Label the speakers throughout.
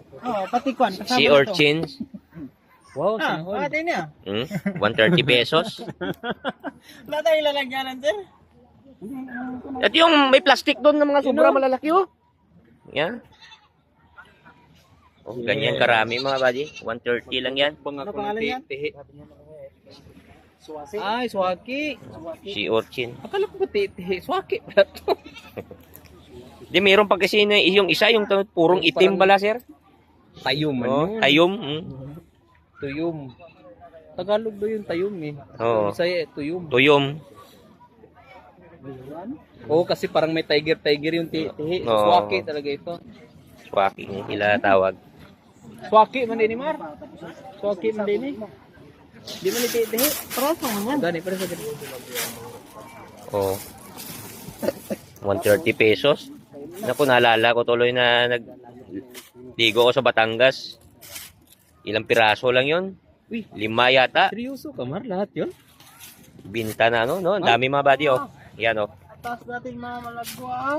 Speaker 1: Oo, pati kwan.
Speaker 2: Sea urchins.
Speaker 3: Wow,
Speaker 1: Ah,
Speaker 3: sinahol.
Speaker 1: pati niya.
Speaker 2: 130 pesos.
Speaker 1: Wala tayong lalagyanan, sir.
Speaker 2: Ito yung may plastic doon ng mga sobra malalaki oh. Yan. Oh, ganyan karami mga buddy. 130 lang yan.
Speaker 1: Ano pangalan yan?
Speaker 3: Ay, swaki.
Speaker 2: Sea urchin.
Speaker 3: Akala ko ba titihi? Swaki pala to.
Speaker 2: Di meron pa kasi na yung isa yung purong itim bala sir.
Speaker 3: Tayom man
Speaker 2: Oh,
Speaker 3: yun.
Speaker 2: tayom.
Speaker 3: Tuyom. Tagalog do yung tayom eh.
Speaker 2: Oo.
Speaker 3: Bisaya tuyom.
Speaker 2: Tuyom.
Speaker 3: Oo, kasi parang may tiger yung tihi.
Speaker 2: Oo.
Speaker 3: Swaki talaga ito.
Speaker 2: Swaki nila tawag.
Speaker 3: Swaki man din ni Mar. Swaki man din eh. Di man itihi.
Speaker 1: Praso mo yan.
Speaker 3: Gani, pero sa gani.
Speaker 2: Oh. 130 pesos. Naku, naalala ko tuloy na nagdigo ko sa Batangas. Ilang piraso lang yon?
Speaker 3: Uy,
Speaker 2: 5 yata.
Speaker 3: seryoso ka Mar? Lahat yun?
Speaker 2: Binta na ano, no? Ang dami mga buddy, oh. Yan, oh.
Speaker 1: Taas natin mga malagwa.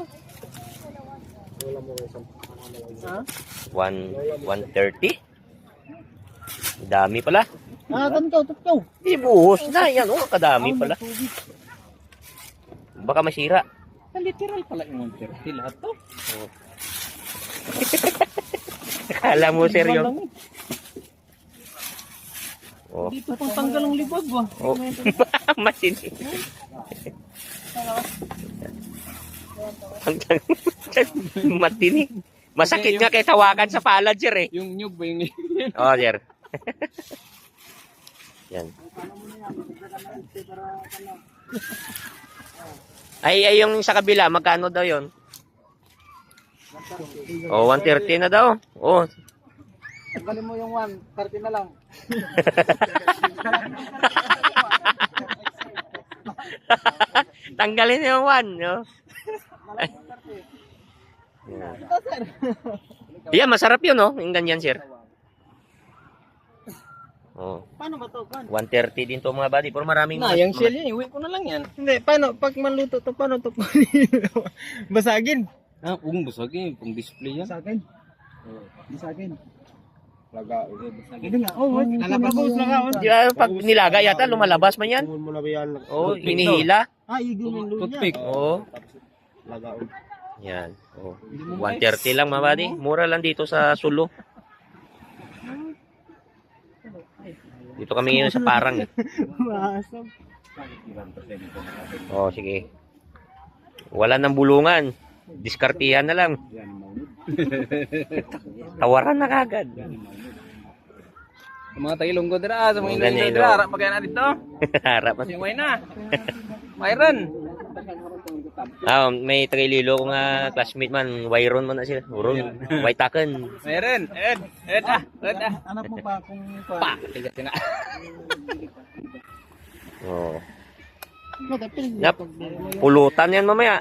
Speaker 1: Ha?
Speaker 2: 130. Dami pala.
Speaker 1: Ah, tanto.
Speaker 2: Ibuhos na, yan, oh. Kadami pala. Baka masira.
Speaker 3: Literal pala yung 130 lahat to.
Speaker 2: Akala mo, sir, yun. Oh.
Speaker 1: Dito pang tanggal ang libag ba?
Speaker 2: Oh. Matindi. Matindi. Masakit nga kay tawakan sa palad, sir, eh.
Speaker 3: Yung nyug ba yung
Speaker 2: Oh, sir. Yan. Ay, yung sa kabila, magkano daw yon? Oh, 130 na daw. Oh.
Speaker 1: Tanggalin mo yung 1, 30 na lang.
Speaker 2: Tanggalin yung 1, no?
Speaker 1: Ito, sir.
Speaker 2: Yan, masarap yun, no? Yung ganyan, sir. Oh.
Speaker 1: Paano ba to? Paano?
Speaker 2: 130 din to mga buddy. Pero maraming...
Speaker 3: yung shell yan, iwi ko na lang yan.
Speaker 1: Hindi, paano? Pag maluto to, paano to? Basagin.
Speaker 3: Ah, kung basagin, kung display yan.
Speaker 1: Basagin. Basagin. Laga. Hindi nga. Oh, lalabas lang ako.
Speaker 2: Di ba, pag nilaga yata, lumalabas man yan. Oh, hinihila.
Speaker 1: Ah, igulong luya.
Speaker 3: Toothpick.
Speaker 2: Oh. Yan. Oh. 130 lang mga buddy. Mura lang dito sa Sulu. Dito kami ngayon sa Parang.
Speaker 1: Masam.
Speaker 2: Oh, sige. Wala nang bulungan. Diskartihan na lang. Tawaran na kagad.
Speaker 3: Sa mga tagilonggo dira, sa mga
Speaker 2: Ganyan,
Speaker 3: Iloilo dira,
Speaker 2: no?
Speaker 3: harap pa kaya na dito.
Speaker 2: Harap.
Speaker 3: Yung way na. Myron.
Speaker 2: Ah, may Tagaililo ko nga classmate man. Wayron man na sila. Uron. Waytaken.
Speaker 3: Myron. Ed ah.
Speaker 1: Anak mo pa kung...
Speaker 3: Pa, tigas ka na.
Speaker 2: Oh. Nap, pulutan yan mamaya.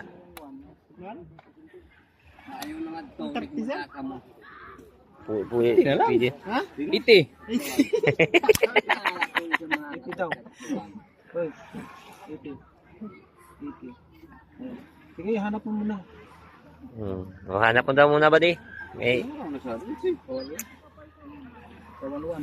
Speaker 3: Hindi na lang.
Speaker 2: Pwede.
Speaker 1: Ha?
Speaker 3: Iti.
Speaker 1: Ito. Hoy. Iti. Sige, hanap mo muna.
Speaker 2: Oh, hanap mo daw muna ba di? Eh,
Speaker 1: Kawaluan.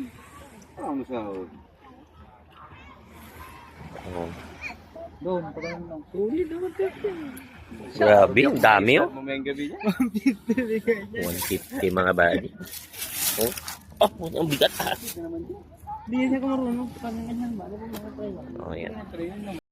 Speaker 2: oh.
Speaker 1: Doon, pagkain lang. Sulit naman kasi.
Speaker 2: Grabe, ang dami oh.
Speaker 3: Mamayang gabi niya.
Speaker 2: 150 mga buddy. Oh, oh, ang bigat ah.
Speaker 1: Hindi siya ko marunong. Paano ganyan ba? Ano ba mga tayo?
Speaker 2: Oh, yan.